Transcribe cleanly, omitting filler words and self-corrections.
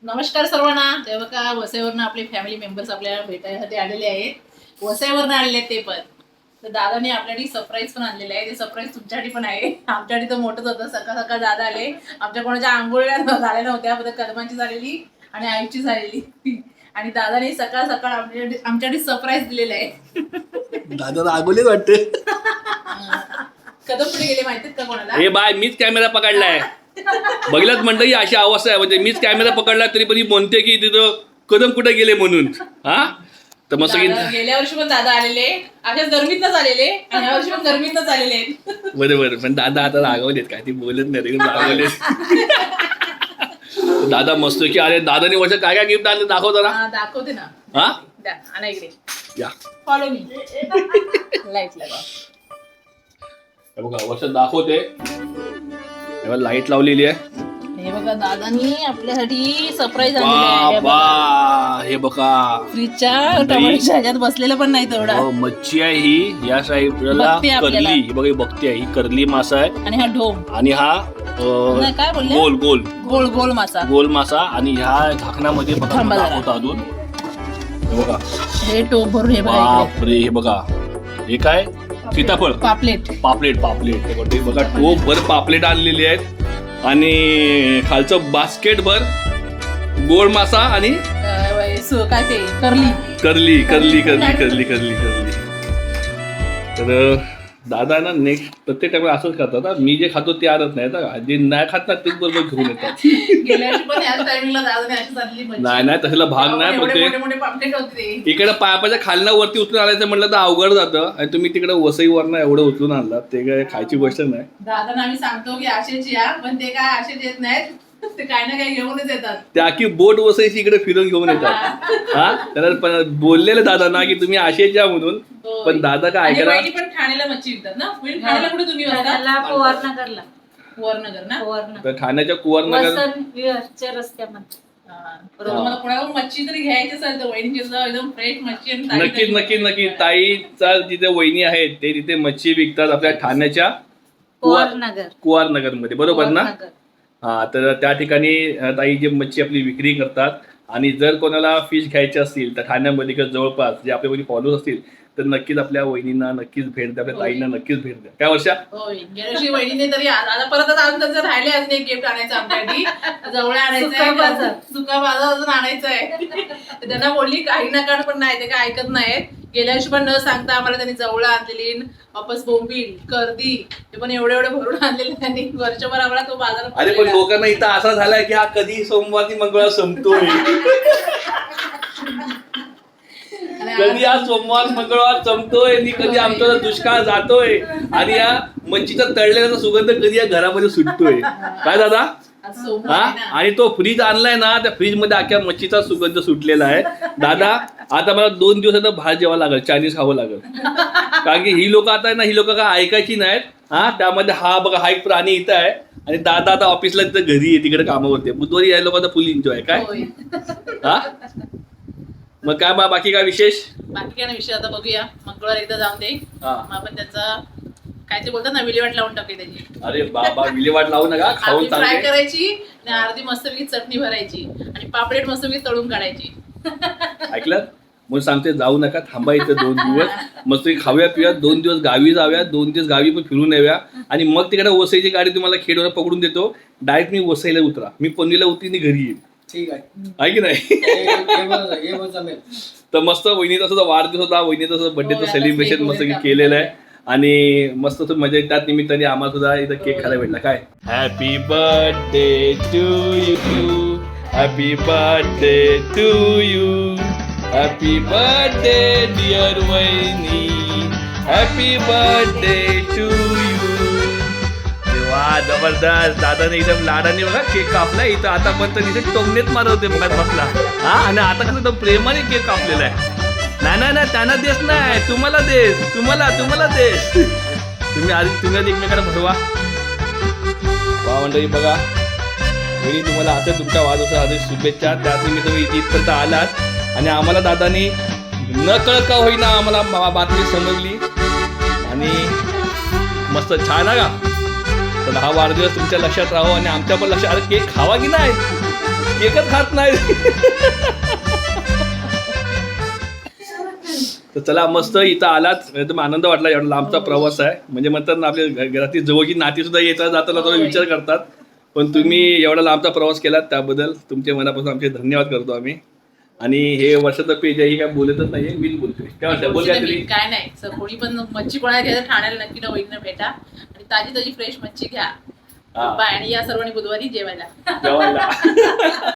नमस्कार सर्वांना. तेव्हा का वसईवरनं आपले फॅमिली मेंबर्स आपल्याला भेटायसाठी आलेले आहेत. वसईवरनं आलेले आहेत ते पण. तर दादाने आपल्यासाठी सरप्राईज पण आणलेलं आहे. ते सरप्राईज तुमच्यासाठी पण आहे. आमच्यासाठी तर मोठंच होतं. सकाळ सकाळ दादा आले. आमच्या कोणाच्या आंघोळ्या झाल्या नव्हत्या, फक्त कदमांची झालेली आणि आईची झालेली. आणि दादाने सकाळ सकाळ आमच्यासाठी सरप्राईज दिलेलं आहे. दादा आगोलेच वाटते. कदम पुढे गेले माहितीत का कोणाला? हे बाय मीच कॅमेरा पकडलाय. बघितलं म्हणतं ही अशी अवस्था आहे. म्हणजे मीच कॅमेरा पकडला तरी पण ही म्हणते की तिथं कदम कुठे गेले म्हणून. हा तर मग गेल्या वर्षी पण दादा आलेले अशाच गरमीतच आलेले आणि या वर्षी पण गरमीतच आलेले आहेत. बरोबर. पण दादा आता रागवलेत काय, ती बोलत नाही रागवलेत. दादा मस्त की अरे दादाने वर्ष काय काय गिफ्ट आणले दाखव जरा. दाखवते ना. हा आणा इकडे या फॉलो मी. लाईट लगा. बघा वर्ष दाखवते. लाईट लावलेली आहे. हे बघा दादानी आपल्यासाठी सरप्राईज आणलेलं आहे. हे बघा फ्रीजच्या टमाटरच्या ह्याच्यात बसलेलं पण नाही तेवढा. मच्छी आहे ही. या साईडला करली. ही बघा बघते ही करली मासा आहे. आणि हा ढोम आणि हा काय बोलले गोल गोल गोल गोल मासा. गोल मासा. आणि ह्या झाकणामध्ये बघा दाखवतो अजून. हे बघा हे टोप भरून. हे बघा बापरे. हे बघा हे काय सीताफळ पापलेट. पापलेट पापलेट. हे बघा टोप भर पापलेट आणलेली आहेत. आणि खालचं बास्केट भर गोड मासा आणि काय ते करली करली करली करली करली करली करली. तर दादा ना नेक्स्ट प्रत्येक टाइम असंच करतात. मी जे खातो ते आणत नाही, जे नाही खात ना तेच बरोबर घेऊन येतात. गेल्या वर्षी पण याच टायमिंगला दादाने अशी चालली मच्छी. नाही तसला भाग नाही. पण मोठे मोठे पापलेट होते. इकडे पायापाच्या खालना वरती उचलून आणायचं म्हटलं तर अवघड जातं. आणि तुम्ही तिकडे वसईवरनं एवढं उचलून आणलात ते काय खायची गोष्ट नाही. दादांना आम्ही सांगतो की असेच या, पण ते काय असेच येत नाहीत. ते काही ना काही घेऊनच येतात. त्या की बोट वसईची इकडे फिरून घेऊन येतात. हा त्याला बोललेलं दादा ना की तुम्ही असेच या म्हणून. पण दादा काय ऐकला. पण ठाण्याला मच्छी विकतात ना. ठाण्याला कुठे तुम्ही कुवारनगरला. कुवारनगर ना. तर ठाण्याच्या कुवारनगर रस्त्यामध्ये. मला कोणाला मच्छी तरी घ्यायची असेल तर वहिनीची एकदम फ्रेश मच्छी. नक्कीच नक्की नक्की. ताईचा जिथे वहिनी आहेत ते तिथे मच्छी विकतात आपल्या ठाण्याच्या कुवारनगर मध्ये. बरोबर ना. हा तर त्या ठिकाणी ताई जे मच्छी आपली विक्री करतात. आणि जर कोणाला फिश घ्यायचे असतील तर ठाण्यामध्ये किंवा जवळपास जे आपल्या वहिनी फॉलोअर्स असतील तर नक्कीच आपल्या वहिनींना नक्कीच भेट द्या. आपल्या ताईंना नक्कीच भेट द्या. काय वर्षा. गेल्यावर्षी वहिनीने तरी आता परत अजून राहिले अजून एक गिफ्ट आणायचं आमच्यासाठी. जवळ आणायचं सुका बाजार अजून आणायचं आहे. त्यांना बोलली काही नकार पण नाही, ते काय ऐकत नाहीत. गेल्या वर्षी पण न सांगता आम्हाला त्यांनी जवळ आणलेली वापस बोंबील कर्दी ते पण एवढे एवढे भरून आणलेले त्यांनी. वर्षभर आम्हाला तो बाजार. अरे पण लोकांना इथं असा झालाय की हा कधी सोमवार ती मंगळवार संपतोय. कधी हा सोमवार मंगळवार संपतोय आणि कधी आमचा दुष्काळ जातोय. आणि या मच्छीचा तळलेला सुगंध कधी या घरामध्ये सुटतोय. काय दादा. हा आणि तो फ्रीज आणलाय ना, त्या फ्रीज मध्ये अख्ख्या मच्छीचा सुगंध सुटलेला आहे. दादा आता मला 2 दिवसात बाहेर जेवावं लागेल, चायनीज खावं लागेल. कारण की ही लोक आता ना, ही लोक काय ऐकायची नाहीत. हा त्यामध्ये हा बघा हा एक प्राणी इथं आहे. आणि दादा आता ऑफिसला तिथं घरी आहे, तिकडे कामावरती. बुधवारी या लोकांचा फुल एन्जॉय काय. हा मग काय बाकी काय विशेष. बाकी काय ना विषय आता बघूया. मंगळवार एकदा जाऊन दे. आपण त्याचा काय ते बोलतात ना विल्हेवाट लावून टाकली त्याची. अरे बाबा विल्हेवाट लावू नका. खाऊन फ्राय करायची आणि अर्धी मस्तपैकी चटणी भरायची आणि पापलेट मस्तपैकी तळून काढायची. ऐकलं म्हणून सांगते जाऊ नका, थांबा इथं 2 दिवस. मस्त खाऊया पिऊया. 2 दिवस गावी जाऊया. 2 दिवस गावी पण फिरून येऊया. आणि मग तिकडे वसईची गाडी तुम्हाला खेडवर पकडून देतो. डायरेक्ट मी वसईला उतरा. मी पनवेलला उतरी घरी येईल. ठीक आहे की नाही. तर मस्त वहिनीचा सुद्धा वाढदिवस होता. वहिनीचा सुद्धा बर्थडेचं सेलिब्रेशन मस्त केलेलं आहे. आणि मस्त मजा त्याच निमित्ताने आम्हाला सुद्धा इथं केक खायला भेटला. काय happy birthday to you. Happy birthday to you. Happy birthday dear वहिनी. Happy birthday to you. वा जबरदस्त. दादाने एकदम लाडाने बघा केक कापला. इथं आता पण तिथे टोमनेच मारत होते बसला. हा आणि आता कसं एकदम प्रेमाने केक कापलेला आहे. नाही त्यांना देस नाही, तुम्हाला देस. तुम्हाला देस. तुम्ही आधी एकमेकांना भरवा. वा मंडळी बघा वहिनी तुम्हाला असं तुमच्या वाढदिवसासाठी शुभेच्छा. त्यात मी तुम्ही इथपर्यंत आलात. आणि आम्हाला दादानी न कळत का होईना आम्हाला बातमी समजली. आणि मस्त छान आहे का. तर हा वाढदिवस तुमच्या लक्षात राहो आणि आमच्या पण लक्षात. अरे केक खावा की नाही. केकच खात नाही. तर चला मस्त इथं आलात एकदम आनंद वाटला. एवढा लांबचा प्रवास आहे म्हणजे म्हणतात ना आपल्या घरातली जवळची नाती सुद्धा येता जाताना थोडा विचार करतात. पण तुम्ही एवढा लांबचा प्रवास केलात त्याबद्दल तुमचे मनापासून आमचे धन्यवाद करतो आम्ही. आणि हे वर्षाचं पेज आहे, ही काय बोलतच नाहीये, मीच बोलतोय. काय वाटतं बोल काय तरी. काय नाही सर, कोणी पण मच्छी कोणाला घ्यायचं ठाण्याला नक्की ना वहिनीला भेटा आणि ताजी ताजी फ्रेश मच्छी घ्या. हा. बाय आणि या सर्वांनी बुधवारी जेवायला. जेवायला